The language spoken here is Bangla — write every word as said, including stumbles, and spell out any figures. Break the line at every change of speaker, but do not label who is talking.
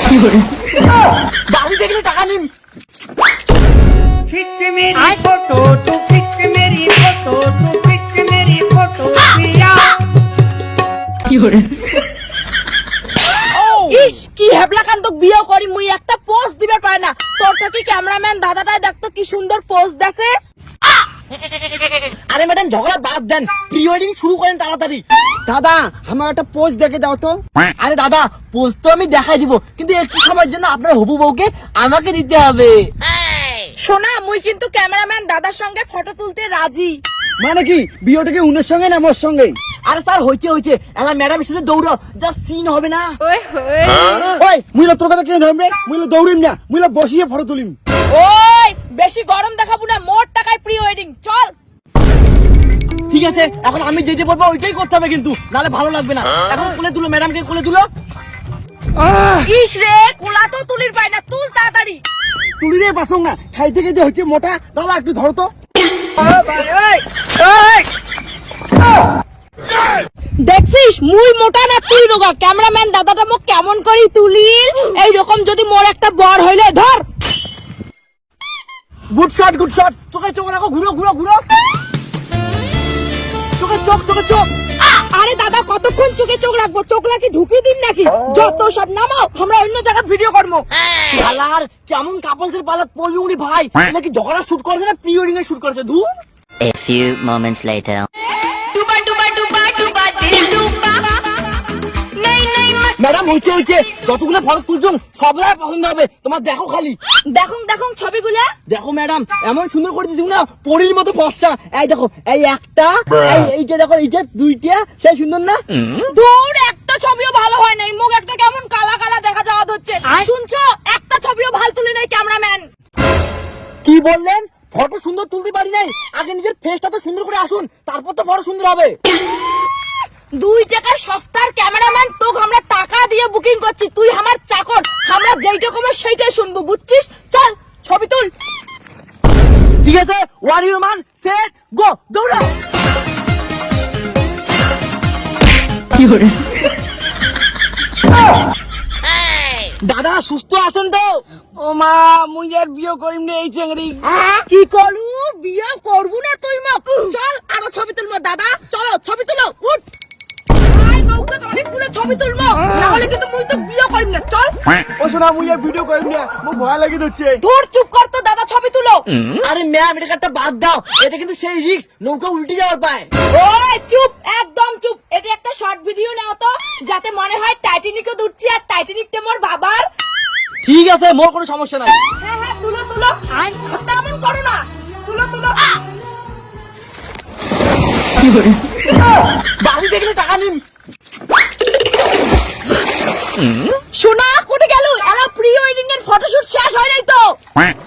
বাড়ি দেখলে টাকা নিন।
खिंच मेरी फोटो तू खिंच मेरी फोटो तू खिंच मेरी फोटो पिया।
ইস কি হেবলা কান্তক বিয়ে করি মুই একটা পোজ দিবে পারে না। তোর তো কি ক্যামেরাম্যান দাদাটাই দেখতো কি সুন্দর পোজ দেছে।
আরে ম্যাডাম ঝগড়া বাদ দেন, প্রি ওয়েডিং শুরু করেন তাড়াতাড়ি। দাদা আমার একটা পোজ দেখে দাও তো। আরে দাদা পোজ তো আমি দেখাই দিব, কিন্তু একটু সময়ের জন্য আপনার হবু বউকে আমাকে দিতে হবে।
শোনা মুই কিন্তু ক্যামেরাম্যান দাদার সঙ্গে ফটো তুলতে রাজি।
মানে কি বিয়েটা কি উনার সঙ্গে না আমার সঙ্গে? আরে স্যার হইছে হইছে, এলা ম্যাডাম সাথে দৌড়াও, যা সিন হবে না। ওই মুইলা তোর কথা কিনে ধরবে, মুইলা দৌড়িম না, মুইলা বসিয়ে ফটো তুলিম।
ওই বেশি গরম দেখাবো না, মোট টাকায় প্রি ওয়েডিং চল।
ঠিক আছে এখন আমি যেটা বলবো ওইটাই করতে হবে, কিন্তু নালে ভালো লাগবে না। এখন কোলে তুলো, ম্যাডামকে কোলে তুলো।
ইস রে কোলা তো তুলির পাই না, তুল তাড়াতাড়ি।
তুলি রে বাসং না, খাইতে খাইতে হচ্ছে মোটা। দাদা একটু ধরো তো।
দেখছিস মুই মোটা না তুই রোগা, ক্যামেরাম্যান দাদাটা মোক কেমন করি তুলিল। এই রকম যদি মোর একটা বর হইলে ধর।
Good shot good shot. চোখে চোখ রাখো, ঘুরো ঘুরো ঘুরো। চোখে চোখ চোখে চোখ।
আরে দাদা কতক্ষণ চোখে চোখ রাখবো, চোখ লাকি ঢুকিয়ে দিন নাকি? যত সব নামাও, আমরা অন্য জায়গায় ভিডিও করবো।
শালার কেমন কাপলসের পালাত পড়বি উনি ভাই, এটা কি ঝগড়া শুট করেছে না প্রি ওয়েডিং এর শুট করেছে? ধুর।
A few moments later.
Madam হচ্ছে হচ্ছে, যতগুলো ফটো তুলছো সবলাই পছন্দ হবে তোমার, দেখো খালি।
দেখুন দেখুন ছবিগুলা
দেখো ম্যাডাম এমন সুন্দর করে দিয়েছি না, পরীর মতো ফর্সা। এই দেখো এই একটা, এই এইটা দেখো, এইটা দুইটা, সেই সুন্দর না?
দূর একটা ছবিও ভালো হয় নাই, মুখ একটা কেমন কালা কালা দেখা যাওয়া হচ্ছে। শুনছো একটা ছবিও ভালো তুলি নাই ক্যামেরাম্যান।
কি বললেন? ফটো সুন্দর তুলতে পারি নাই? আগে নিজের ফেসটা তো সুন্দর করে আসুন, তারপর তো ফটো সুন্দর হবে।
দুই টাকার সস্তার ক্যামেরাম্যান, তোকে আমরা টাকা দিয়ে বুকিং করছি, তুই আমার চাকর, আমরা যেইটা কমে সেইটাই শুনবো, বুঝছিস? চল ছবি তুল।
ঠিক আছে ওয়ান ইউর মান সেট গো, দৌড়াও। দাদা সুস্থ আছেন তো? ও মা মুই আর বিয়ে করিম না এই চেংড়ি।
কি করু বিয়ে করবো না তুই মা? চল আরো ছবি তুলবো দাদা, চলো ছবি তুলো, উঠ। আয় নৌকা অনেকগুলো ছবি তুলবো, নাহলে কিন্তু মুই তো বিয়ে করিম না। চল।
ও শোনা মুই আর ভিডিও করিম না, মুই ভয় লাগি হচ্ছে।
ধুর চুপ কর তো দাদা, ছবি তুলো।
আরে ম্যাম এটা একটা বাদ দাও, এটা কিন্তু সেই রিস্ক, নৌকা উল্টে যাওয়ার পায়।
ওই চুপ, একদম চুপ। এটা একটা শর্ট ভিডিও নাও তো, যাতে মনে হয় টাইটানিকও উঠছি আর টাইটানিকটা মোর বাবার।
ঠিক আছে মোর কোনো সমস্যা নাই।
হ্যাঁ হ্যাঁ তুলো তুলো, তেমন করো না, তুলো তুলো।
বাড়ি দেখলে টাকা নিন।
শোনা কোটে গেল, এলা প্রি ওয়েডিং এর ফটোশুট শেষ হয় নাই তো।